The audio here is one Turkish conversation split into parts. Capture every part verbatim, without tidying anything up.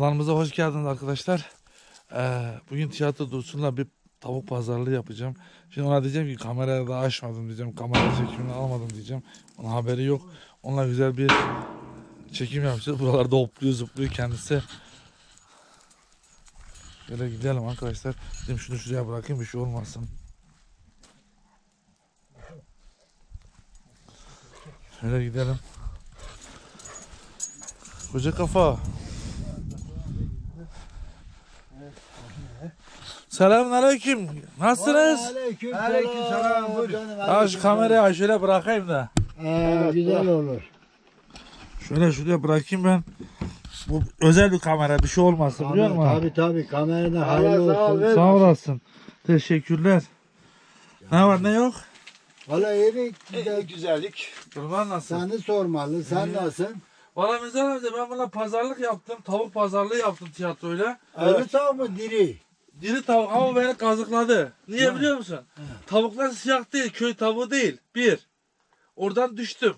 Alanımıza hoş geldiniz arkadaşlar. Ee, bugün tiyatro Dursun'la bir tavuk pazarlığı yapacağım. Şimdi ona diyeceğim ki kamerayı da açmadım diyeceğim. Kamera çekimini almadım diyeceğim. Onun haberi yok. Onunla güzel bir çekim yapacağız. Buralarda hopluyor zıplıyor kendisi. Şöyle gidelim arkadaşlar. Dedim şunu şuraya bırakayım bir şey olmasın. Şöyle gidelim. Koca kafa. Selamünaleyküm. Nasılsınız? Aleyküm Aleykümselam, buyur. Ya şu kamerayı şöyle bırakayım da. Ee, güzel olur. Şöyle şuraya bırakayım ben. Bu özel bir kamera, bir şey olmasın biliyor musun? Tabii tabii kamerada Allah hayırlı sağ ol, olsun. ver. Sağ olasın. Teşekkürler. Ne var ne yok? Valla yeri E, güzellik. Kurban nasıl? seni sormalı. Sen nasılsın? Valla Mizan amca ben buna pazarlık yaptım. Tavuk pazarlığı yaptım tiyatroyla. Ölü tavuk mu diri? Diri tavuk ama beni kazıkladı. Niye biliyor musun? Tavuklar siyah değil, köy tavuğu değil. Bir. Oradan düştüm.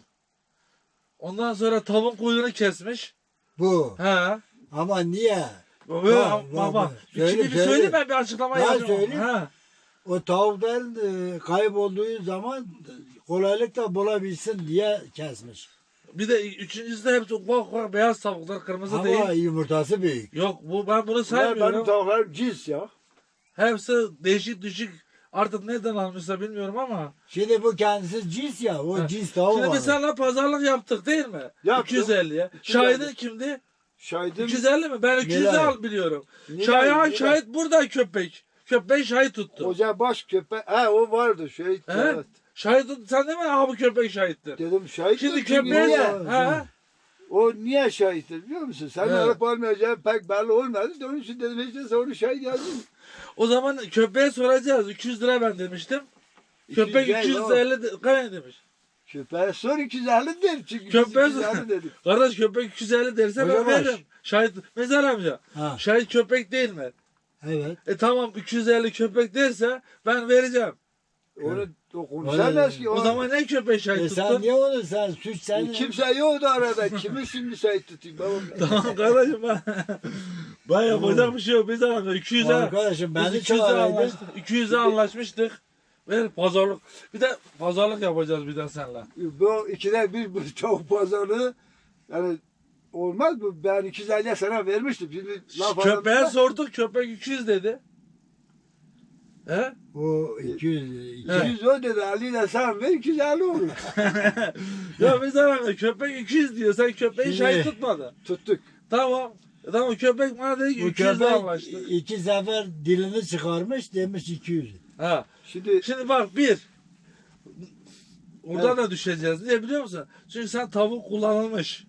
Ondan sonra tavuğun kuyruğunu kesmiş. Bu. He. Ama niye? Böyle Bak, bak, bak, bak. bak. Şimdi Söyle, bir söyle. söyleyeyim ben bir açıklama Ya yapayım. söyle. He. O tavukların e, kaybolduğu zaman kolaylıkla bulabilsin diye kesmiş. Bir de üçüncüsü de hepsi ufak ufak beyaz tavuklar, kırmızı Ama değil. yumurtası büyük. Yok bu ben bunu Bunlar saymıyorum. benim tavuklarım cins ya. Hepsi değişik düşük. Artık nereden almışsa bilmiyorum ama. Şimdi bu kendisi cins ya. O Ha. cins tavuk Şimdi var. biz seninle pazarlık yaptık değil mi? Yaptık. iki yüz elliye. iki yüz elli. Şahidin kimdi? Şahidim. iki yüz elli mi? Ben iki yüz Nilay. al biliyorum. Nilay, Şahit, Nilay. şahit burada köpek. Köpek şahit tuttu. Koca baş köpek. He o vardı şahit. He? Evet. Şahit tuttu. Sen değil mi? Aha bu köpek şahittir. Dedim şahit. Şimdi mi? Çünkü köpeğe niye? de. He? O niye şahittir biliyor musun? Sen Evet. alıp almayacağın pek belli olmadı. Onun için dedim işte sen onu şahit yazdın. O zaman köpeğe soracağız. iki yüz lira ben demiştim. iki yüz Köpek değil iki yüz o. elli de- kaç demiş? Köpeğe sor iki yüz elli der. Çünkü biz Köpeğe iki yüz elli sor. dedik. Kardeş köpek iki yüz elli derse ben Hocam baş. veririm. Şahit, Mezar amca. Ha. Şahit köpek değil mi? Evet. E tamam iki yüz elli köpek derse ben vereceğim. Onu o konuşamaz ki. O O, zaman ne köpek şahit E sen tuttun? niye onu sen suç sen E, kimse yoktu arada. Kimi şimdi şahit tutayım babam? Tamam kardeşim ben. Ben yapacak bir şey yok. Biz amca iki yüze. Arkadaşım Biz beni iki yüze çağıraydı. anlaştık. iki yüze anlaşmıştık. Ver pazarlık. Bir de pazarlık yapacağız bir de seninle. Bu ikide bir bu tavuk pazarlığı yani olmaz bu. Ben iki yüz elliye sana vermiştim. Şimdi laf Köpeğe aramızda- sorduk köpek iki yüz dedi. He? O iki yüz iki iki yüz o dedi. elli ile sen ver iki yüz elli olur. Ya biz amca köpek iki yüz diyor. Sen köpeği Şimdi- şahit tutmadın. Tuttuk. Tamam. E tamam köpek bana dedi ki Bu iki yüze köpek anlaştık. iki sefer dilini çıkarmış demiş iki yüz. Ha. Şimdi Şimdi bak bir. Oradan Evet. da düşeceğiz. Niye biliyor musun? Çünkü sen tavuk kullanılmış.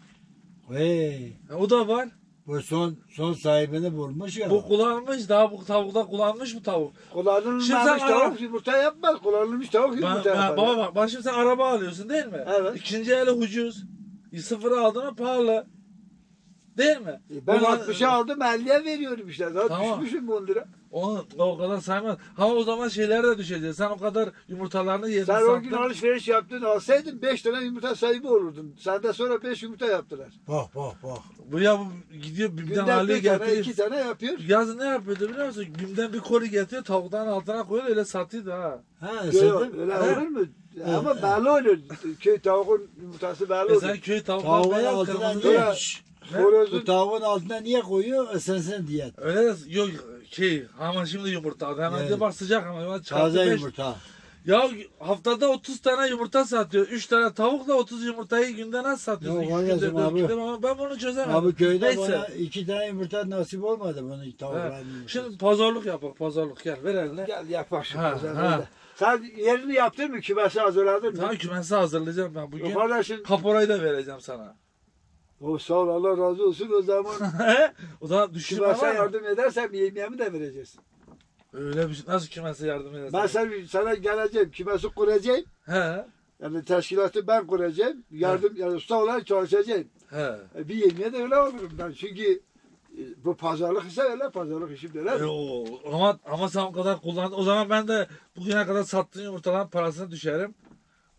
Hey, E, o da var. bu son son sahibini bulmuş ya. Bu kullanılmış. Daha bu tavukta kullanılmış bu tavuk. kullanılmamış Şimdi sen tavuk ara- yumurta yapmaz. Kullanılmış tavuk Ben, yumurta ben, yapar. baba bak. Bak şimdi sen araba alıyorsun değil mi? Evet. İkinci eli ucuz. Sıfırı aldın mı pahalı. Değil mi? E, Ben Ulan- altmışa aldım elliye veriyorum işte. Daha Tamam. düşmüşüm on lira. Onu o kadar saymaz. Ha o zaman şeylere de düşeceğiz. Sen o kadar yumurtalarını yedin Sen o gün sattın. alışveriş yaptın alsaydın beş tane yumurta sahibi olurdun. Senden sonra beş yumurta yaptılar. Bak bak bak. Bu ya bu gidiyor bimden Günden haliye bir tane getiriyor. iki tane yapıyor. Yazın ne yapıyordu biliyor musun? Bimden bir koli getiriyor tavuktan altına koyuyor öyle satıyordu ha. Ha Yok, sen de öyle He? olur mu? Ama belli olur. Köy tavuğun yumurtası belli E olur. sen köy tavuklar tavuğun beyaz altına kırmızı. niye? Sonra- Şşş, bu Horozun tavuğun altına niye koyuyor? Esensin diye. Öyle de yok şey ama şimdi yumurta hemen Evet. de bak sıcak ama hemen çarpı Taze beş. yumurta. Ya haftada otuz tane yumurta satıyor. üç tane tavukla otuz yumurtayı günde nasıl satıyorsun? Yok İki günde, kardeşim dört abi. günde ama ben bunu çözemedim. Abi köyde Neyse. bana iki tane yumurta nasip olmadı bunun Ha, tavukların yumurtası. şimdi pazarlık yapalım pazarlık gel ver eline. gel yapak şu Ha, pazarda. ha. Sen yerini yaptın mı? Kümesi hazırladın mı? Tamam kümesi hazırlayacağım ben bugün. Yok kardeşim. Kaporayı da vereceğim sana. O sağ ol Allah razı olsun o zaman. O zaman düşünme Kümese var mı? yardım edersen yemeğimi de vereceksin. Öyle bir şey. Nasıl kümese yardım edersin? Ben sen, sana geleceğim. Kümesi kuracağım. He. Yani teşkilatı ben kuracağım. Yardım yani usta olarak çalışacağım. He. E, bir yemeğe de öyle olurum ben. Çünkü e, bu pazarlık ise öyle pazarlık işim de E, öyle. o, ama ama sen o kadar kullandın. O zaman ben de bugüne kadar sattığın yumurtaların parasını düşerim.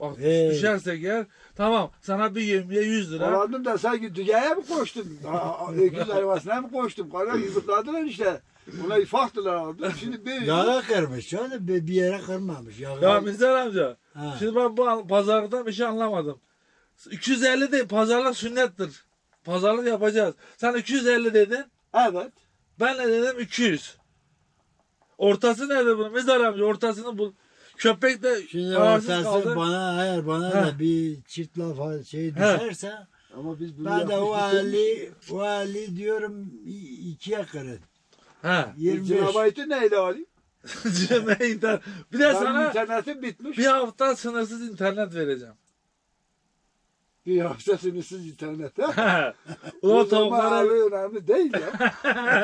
Bak Hey. düşersek eğer tamam sana bir yemiye yüz lira. Alandım da sanki dünyaya mı koştum? Aa, Öküz arabasına mı koştum? Kara yumurtladılar işte. Ona ifaktılar aldım. Şimdi bir Yağa kırmış canım. Bir, bir yere kırmamış. Yağa. Ya Mizar amca. Ha. Şimdi ben bu pazardan bir şey anlamadım. iki yüz elli değil, pazarlık sünnettir. Pazarlık yapacağız. Sen iki yüz elli dedin. evet. Ben ne dedim? iki yüz. Ortası nerede bunun? Mizar amca ortasını bul. Köpek de Şimdi kararsız ortası kaldı. bana eğer bana Ha. da bir çift laf şey düşerse Ama biz bunu ben de o yapmış Ali o Ali diyorum i- ikiye kırın. Ha. yirmi beş. Cinabaytı neyle alayım? Ne internet. Bir de Benim sana internetim bitmiş. bir hafta sınırsız internet vereceğim. Bir hafta sınırsız internet. Ha? Ulan O zaman tavuklara abi önemli değil ya.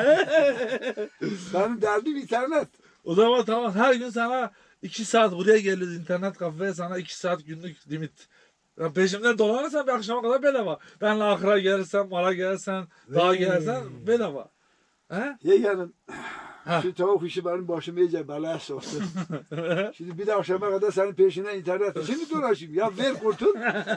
Benim derdim internet. o zaman tamam her gün sana iki saat buraya geliyoruz internet kafeye sana iki saat günlük limit. Ya peşimden dolanırsan bir akşama kadar bedava. Benle Akra gelirsen, Mara gelirsen, dağa Vey. gelirsen bedava. He? Yeğenim Ha. şu tavuk işi benim başıma iyice belaya soktu. Şimdi bir de akşama kadar senin peşinden internet için mi dolaşayım? Ya ver kurtul.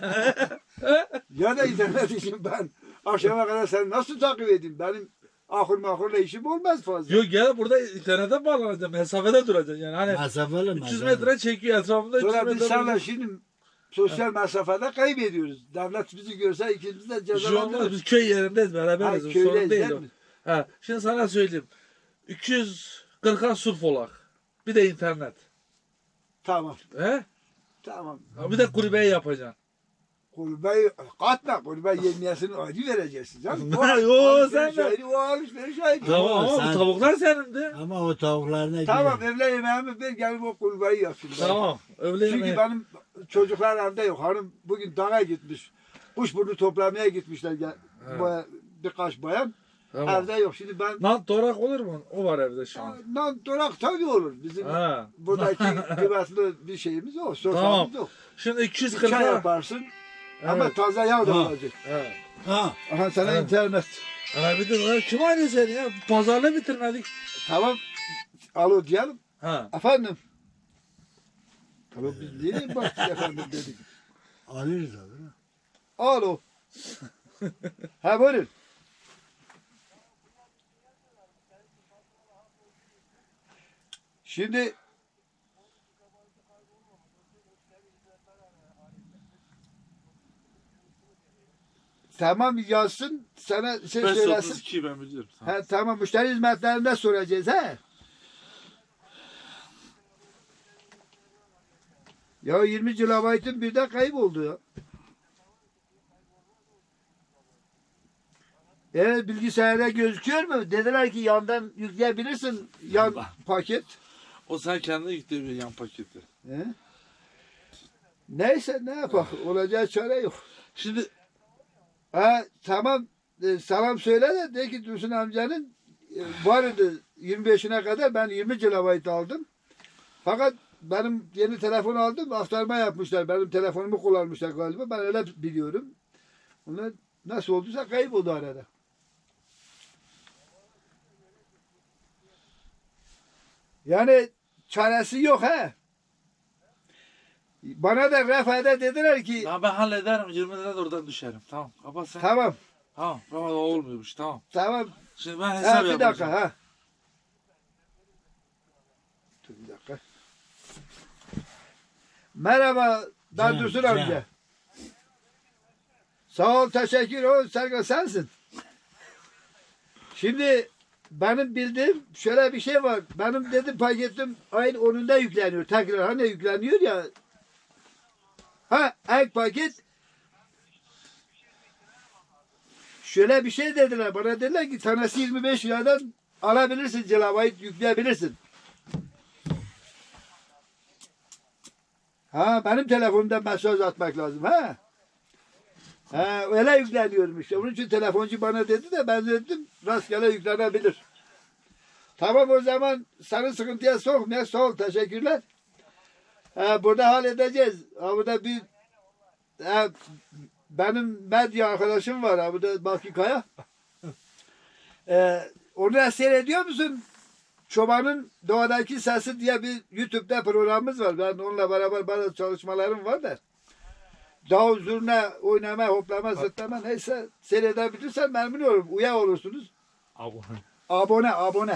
Ya da internet için ben akşama kadar seni nasıl takip edeyim? Benim ahır mahırla işim olmaz fazla. Yok gel burada internete bağlanacağım. Mesafede duracaksın yani. Hani Mesafeli üç yüz mesafeli. metre çekiyor etrafında üç yüz Sonra biz metre. seninle duracak. şimdi sosyal mesafede kaybediyoruz. Devlet bizi görse ikimiz de Bir şey olmaz. cezalandırır. Biz köy yerindeyiz Ha, beraberiz. Sorun köydeyiz değil değil o. mi? Ha. Şimdi sana söyleyeyim. iki yüz kırka surf olak. Bir de internet. Tamam. He? Tamam. Ha, bir de kulübeyi yapacaksın. Kulübeyi katma. Kulübe yemiyesini ayrı vereceksin. Canım. O Yo, alışveriş sen de. ayrı, o alışveriş ayrı. Tamam ama sen- bu tavuklar senindi. Ama o tavuklar ne Tamam diyor? evle yemeğimi ver gelip o kulübeyi yapsın. Tamam. Öyle Çünkü yemeği. benim çocuklar evde yok. Hanım bugün dağa gitmiş. Kuşburnu toplamaya gitmişler. Gel, Evet. baya- birkaç bayan. Tamam. Evde yok. Şimdi ben Lan torak olur mu? O var evde şu an. Lan durak tabii olur. Bizim Ha. buradaki kıymetli bir şeyimiz yok. Soframız Tamam. yok. Şimdi iki yüz Bir çay kırka. yaparsın. Ama Evet. taze yağ da Ha. olacak. Evet. Ha. Aha sana Evet. internet. Ha bir de lan kim arıyor seni ya? Pazarla bitirmedik. Tamam. Alo diyelim. Ha. Efendim. Tamam biz niye baktık efendim dedik. Alırız abi. Alo. Ha buyurun. Şimdi tamam yazsın sana şey söylesin. iki ben biliyorum. Tamam. Ha, tamam müşteri hizmetlerinde soracağız ha. Ya yirmi kilobaytın birden kayboldu ya. Evet bilgisayarda gözüküyor mu? Dediler ki yandan yükleyebilirsin yan paket. O sen kendin yüklüyor yan paketi. He? Neyse ne yapalım olacağı çare yok. Şimdi Ha tamam e, selam söyle de de ki Dursun amcanın e, vardı yirmi beşine kadar ben yirmi kilobayt aldım. Fakat benim yeni telefon aldım aktarma yapmışlar. Benim telefonumu kullanmışlar galiba. Ben öyle biliyorum. Onlar nasıl olduysa kayboldu arada. Yani çaresi yok ha. Bana da refede dediler ki ya ben hallederim. yirmi lira da oradan düşerim. Tamam. Kapat sen. tamam Tamam. Tamam olmuyormuş. Tamam. tamam Şimdi ben hesap ha, bir yapacağım. dakika ha. Dur bir dakika. Merhaba ben Can, Dursun can. amca. Sağ ol teşekkür ol Serkan sensin. Şimdi benim bildiğim şöyle bir şey var. Benim dedim paketim ayın onunda yükleniyor. Tekrar hani yükleniyor ya. Ha ek paket. Şöyle bir şey dediler. Bana dediler ki tanesi yirmi beş liradan alabilirsin cilabayı yükleyebilirsin. Ha benim telefonumda mesaj atmak lazım ha. Ha öyle yükleniyormuş işte. Onun için telefoncu bana dedi de ben dedim rastgele yüklenebilir. Tamam o zaman seni sıkıntıya sokmaya sağ ol teşekkürler. Ha, burada halledeceğiz. Ha, burada bir ha, benim medya arkadaşım var ha, burada Baki Kaya. Ee, onu da seyrediyor musun? Çobanın Doğadaki Sesi diye bir YouTube'da programımız var. Ben onunla beraber bazı çalışmalarım var da. Davul zurna oynama, hoplama, zıplama neyse seyredebilirsen memnun olurum. Uya olursunuz. Abone. Abone, abone.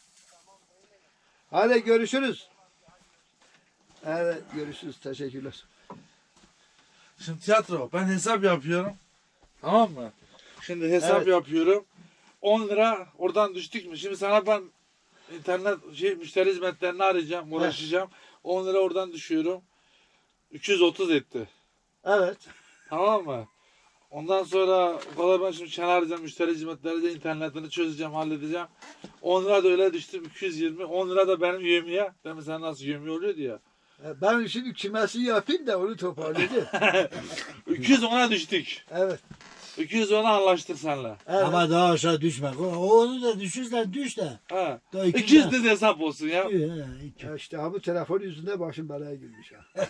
Hadi görüşürüz. Evet, görüşürüz. Teşekkürler. Şimdi tiyatro. Ben hesap yapıyorum. Tamam mı? Şimdi hesap Evet. yapıyorum. on lira oradan düştük mü? Şimdi sana ben internet şey müşteri hizmetlerini arayacağım, uğraşacağım. on lira oradan düşüyorum. üç yüz otuz etti. Evet. Tamam mı? Ondan sonra o kadar ben şimdi çene arayacağım, müşteri hizmetleri de internetini çözeceğim, halledeceğim. on lira da öyle düştüm, iki yüz yirmi. on lira da benim yövmiye. Ben mesela nasıl yövmiye oluyordu ya. E, Ben şimdi kümesi yapayım da onu toparlayacağım. iki yüz ona düştük. Evet. iki yüz ona anlaştık seninle. Evet. Ama daha aşağı düşme. O, onu da düşürsen düş de. Ha. Daha iki iki yüz tane- de hesap olsun ya. He, iki. Ya işte ha bu telefon yüzünden başım belaya girmiş ha.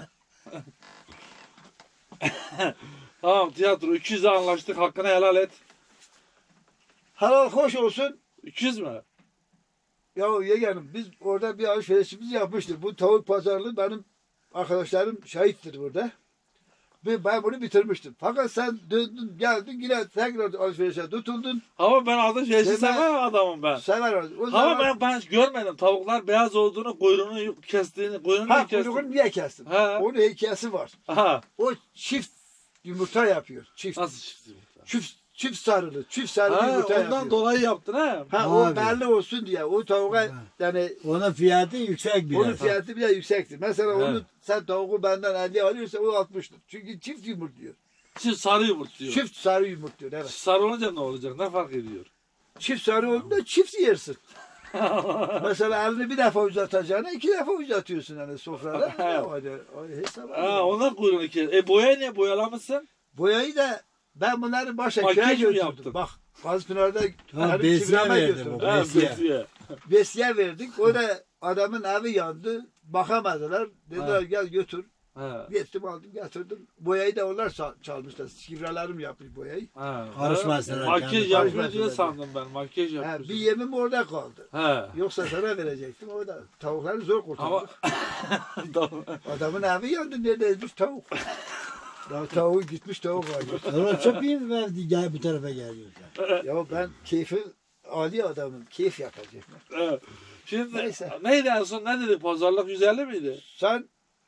Tamam tiyatro iki yüze anlaştık, hakkını helal et. Halal hoş olsun. iki yüz mü? Ya yeğenim biz orada bir alışverişimizi yapmıştık. Bu tavuk pazarlığı benim arkadaşlarım şahittir burada. Ve ben bunu bitirmiştim. Fakat sen döndün geldin yine tekrar alışverişe tutuldun. Ama ben adı şeysi Deme- seven adamım ben. Sever o Ama zaman. ben, ben görmedim. Tavuklar beyaz olduğunu, kuyruğunu kestiğini, kuyruğunu Ha kestiğini. kuyruğunu niye kestin? Ha. Onun hikayesi var. Aha. O çift yumurta yapıyor. Çift. Nasıl çıktı bu? Çift, çift sarılı. Çift sarılı Ha, yumurta ondan yapıyor. dolayı yaptın ha. Ha o Abi. belli olsun diye. O tavuğa Ha. yani Onun fiyatı yüksek biraz. onun fiyatı bile yüksektir. Mesela Evet. onu sen tavuğu benden elli alıyorsan o altmıştır. Çünkü çift yumurtluyor. Çift sarı yumurtluyor. Çift sarı yumurtluyor evet. Sarı olunca ne olacak? Ne fark ediyor? Çift sarı olduğunda çift yersin. Mesela elini bir defa uzatacağına iki defa uzatıyorsun hani sofrada. Evet. O da- o hesap. Ha, ondan kuyruğunu kes. E boya ne? Boyalamışsın. Boyayı da ben bunları başa Makyaj köye mı götürdüm. yaptın? Bak Gazpınar'da Ha, hani besiye çivreme verdi götürdüm. bu. Ha, Besiye. besiye. Besiye verdik. O da adamın evi yandı. Bakamadılar. Dediler Ha. gel götür. Ha. Gittim aldım getirdim. Boyayı da onlar sa- çalmışlar. Şifrelerim yapmış boyayı. Ha. Karışmasınlar Makyaj kendi yapıyor diye karışmasınlar sandım ben. Makyaj Ha, yapıyor. bir yemim orada kaldı. Ha. Yoksa sana verecektim. O da tavukları zor Ama kurtardık. Adamın evi yandı. Neredeymiş tavuk? Ya tavuğu gitmiş tavuk var. Sonra çöpeyim verdi gel bu tarafa geliyorlar. Ya ben keyfi Ali adamım. Keyif yapacağım. Evet. Şimdi Neyse. neydi en son ne dedi? Pazarlık yüz elli miydi? Sen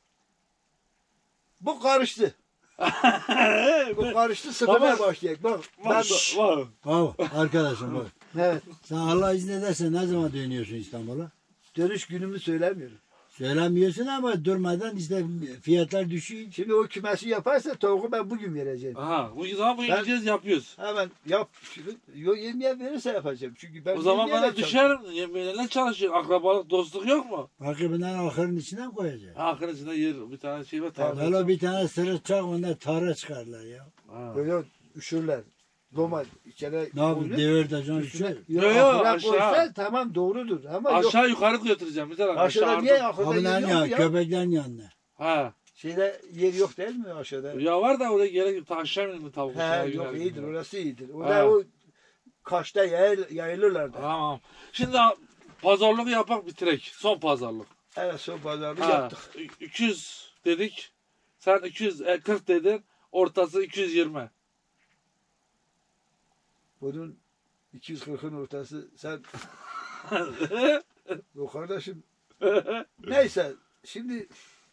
bu karıştı. Bu karıştı sıfırdan Baba. başlayacak. Bak ben Var. Var. Bravo arkadaşım bak. evet. Sen Allah izin ederse ne zaman dönüyorsun İstanbul'a? Dönüş günümü söylemiyorum. Söylemiyorsun ama durmadan işte fiyatlar düşüyor. Şimdi o kümesi yaparsa tavuğu ben bugün vereceğim. Aha. Bu zaman bu Ben- gideceğiz yapıyoruz. Hemen yap. Şimdi, yo yemeğe verirse yapacağım. Çünkü ben O zaman yemeğe bana de düşerim. Yemeğine çalışıyor. Akrabalık, dostluk yok mu? Bakımından ahırın içine mi koyacak? Hakkın içinde yer bir tane şey var. Evet. Tabii. Valla bir tane sırık çak onlar tara çıkarlar ya. Ha. Böyle üşürler. Doma içeri Ne yapayım devirtacaksın Üstüne, üçe. yo, Yo, yo, ahıra aşağı. koysa tamam doğrudur ama yok. Aşağı yukarı götüreceğim. Bir tane Aşağıda aşağı niye ardım. ahırda Kapıdan yer ya, yok ya? köpeklerin yanına. Ha. Şeyde yer yok değil mi aşağıda? Ya var da oraya gerek yok. Ta aşağı mı tavuk? He aşağı yok gider iyidir gibi. orası iyidir. Ha. Orada o kaşta yayıl, yayılırlar da. Tamam. Şimdi pazarlık yapak bitirek. Son pazarlık. Evet son pazarlığı Ha. yaptık. iki yüz dedik. Sen iki yüz kırk dedin. Ortası iki yüz yirmi. Bunun iki yüz kırkın ortası sen yok kardeşim. Neyse şimdi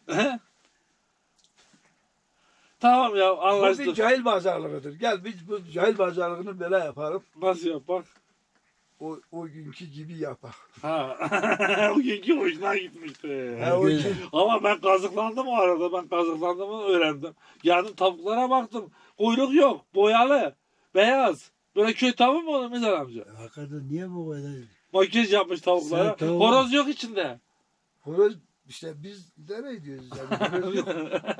Tamam ya bu bir anlaştık. cahil pazarlığıdır. Gel biz bu cahil pazarlığını böyle yapalım. Nasıl yapak? O, o günkü gibi yapak. Ha. O günkü hoşuna gitmişti. Ha, o Güzel. gün- Ama ben kazıklandım o arada. Ben kazıklandığımı öğrendim. Geldim tavuklara baktım. Kuyruk yok. Boyalı. Beyaz. Böyle köy tavuğu mu olur Mizar amca? Hakikaten niye bu kadar? Makyaj yapmış tavuklara. Sen tavuğu- Horoz yok içinde. Horoz işte biz idare ediyoruz yani. Horoz yok.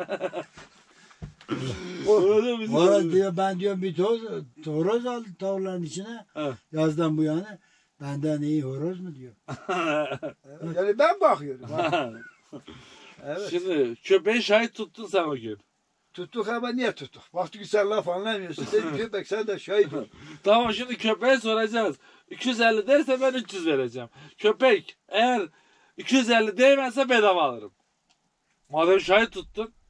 Öyle mi? Horoz diyor ben diyor bir toz, horoz aldı tavukların içine. Ha. Yazdan bu yana. Benden iyi horoz mu diyor. Yani ben bakıyorum. ha. Evet. Şimdi köpeği şahit tuttun sen o gün. Tuttuk ama niye tuttuk? Baktık ki sen laf anlamıyorsun. Sen köpek sen de şahit ol. Tamam şimdi köpeğe soracağız. iki yüz elli derse ben üç yüz vereceğim. Köpek eğer iki yüz elli değmezse bedava alırım. Madem şahit tuttun.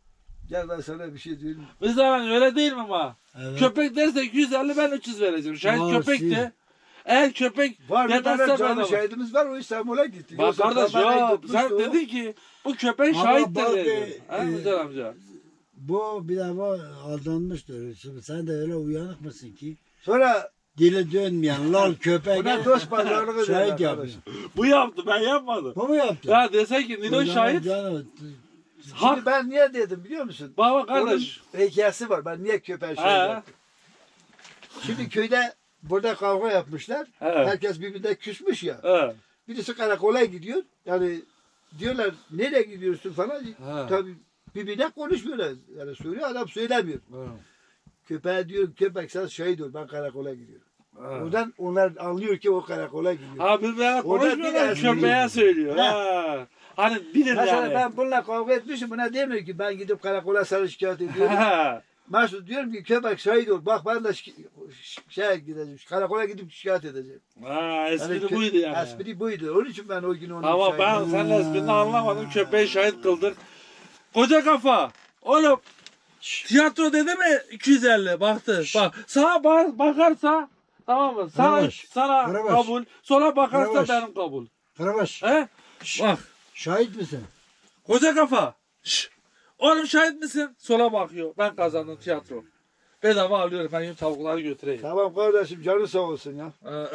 Gel ben sana bir şey diyorum. Bir zaman öyle değil mi ama? Evet. Köpek derse iki yüz elli ben üç yüz vereceğim. Şahit Aa, köpek siz- de. Eğer köpek Var bir demezse tane ben canlı alırım. şahidimiz var, o İstanbul'a gitti. Bak Yoksa kardeş kamerayı ya tutmuştu sen o. dedin ki bu köpek Ama şahittir bak, dedin. e, Ha e, Müzel amca. Bu bir defa aldanmıştır. Şimdi sen de öyle uyanık mısın ki? Sonra Dili dönmeyen lal köpek. buna dost pazarlığı Şahit derler yapıyor. arkadaş. Bu yaptı ben yapmadım. Bu mu yaptı? Ya desen ki Nilo O zaman şahit. canım, Hak. Şimdi ben niye dedim biliyor musun? Baba kardeş. Onun hikayesi var. Ben niye köpeğe şey He. yaptım? Şimdi köyde burada kavga yapmışlar. He. Herkes birbirine küsmüş ya. He. Birisi karakola gidiyor. Yani diyorlar nereye gidiyorsun falan. He. Tabii birbirine konuşmuyorlar. Yani söylüyor adam söylemiyor. Köpeğe diyor köpek sen şahit ol ben karakola gidiyorum. Oradan onlar anlıyor ki o karakola gidiyor. Ha birbirine Orada bir konuşmuyorlar espri köpeğe yok. söylüyor. He. Ha. Hani bilir Mesela yani. ben bununla kavga etmişim buna demiyor ki ben gidip karakola sana şikayet ediyorum. Ha. Mesut diyorum ki köpek şahit ol. Bak ben de şi- şeye gideceğim. Karakola gidip şikayet edeceğim. Ha espri kö- buydu yani. Espri buydu. Onun için ben o gün onu Ama ben şahit- senin esprini anlamadım. Köpeği şahit kıldık. Koca kafa. Oğlum tiyatro dedi mi iki yüz elli baktı. Bak sağa bak, bakarsa tamam mı? Sana, Karabaş, sana Karabaş. kabul. Sola bakarsa Karabaş. benim kabul. Karabaş, He? Bak şahit misin? koca kafa. Şş. Oğlum şahit misin? Sola bakıyor. Ben kazandım tiyatro. Bedava alıyorum. Ben tavukları götüreyim. Tamam kardeşim canı sağ olsun ya.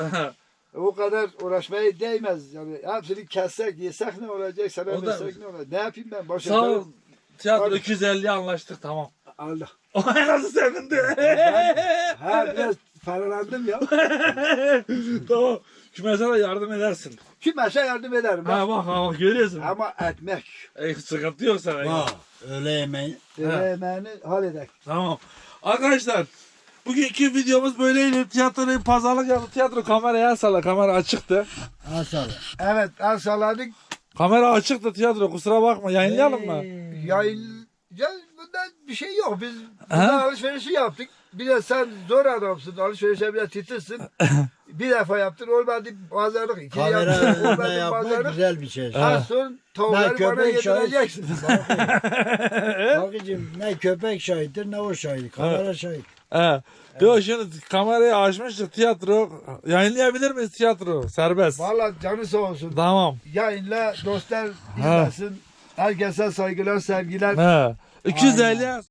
O kadar uğraşmaya değmez. Yani hepsini kessek yesek ne olacak? Sana O da- versek ne olacak? Ne yapayım ben? Başka Sağ ol. Tiyatro Hadi. iki yüz elliye anlaştık tamam. Allah. O nasıl sevindi. Ha biraz paralandım ya. Tamam. Kümese de yardım edersin. Kümese yardım ederim. Ha bak ha bak görüyorsun. Ama etmek. E, sıkıntı yok sana. ya. Ha, öyle yemeği. Yemeğini halledek. Tamam. Arkadaşlar bugünkü videomuz böyleydi. Tiyatroyu pazarlık yaptık. Tiyatro kameraya el salla. Kamera açıktı. Asal. Evet az salladık. Kamera açıktı tiyatro. Kusura bakma. Yayınlayalım mı? Yayın... Ya bunda bir şey yok. Biz Ha? burada alışverişi yaptık. Bir de sen zor adamsın. Alışverişe biraz titizsin. Bir defa yaptın olmadı pazarlık. İki Kamera yaptın önünde olmadı yapmak pazarlık. güzel bir şey. Az sonra Ne tavukları bana köpek şahit. yedireceksin. Bakıcım ne köpek şahittir ne o şahit. Kamera şahit. He. Yok şimdi kamerayı açmıştık tiyatro. Yayınlayabilir miyiz tiyatro? Serbest. Valla canı sağ olsun. Tamam. Yayınla dostlar izlesin. Herkese saygılar, sevgiler. He. iki yüz elli